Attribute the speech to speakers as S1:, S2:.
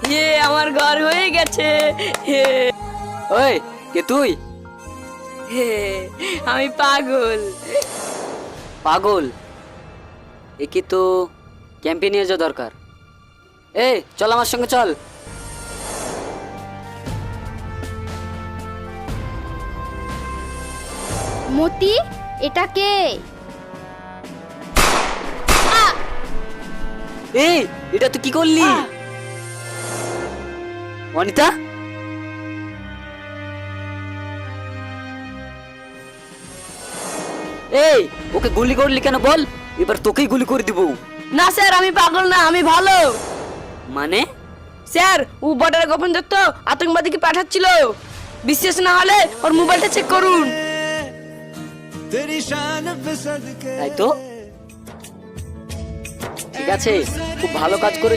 S1: আমার ঘর হয়ে গেছে।
S2: ওই কে তুই?
S1: আমি পাগল।
S2: পাগল? একে তো ক্যাম্পে নিয়ে যাওয়া দরকার। এই চল আমার সঙ্গে চল।
S3: মতি, এটা কে?
S2: এই এটা তুই কি করলি? অনিতা, এই ওকে গুলি করলি কেন বল? এবার তোকেই গুলি করে দিব।
S1: না স্যার, আমি পাগল না, আমি ভালো।
S2: মানে?
S1: স্যার, ও বর্ডারে গোপন তথ্য আতঙ্কবাদীকে পাঠাচ্ছিল। বিশ্বাস না হলে ওর মোবাইলটা চেক করুন।
S2: তাই তো, ঠিক আছে, খুব ভালো কাজ করে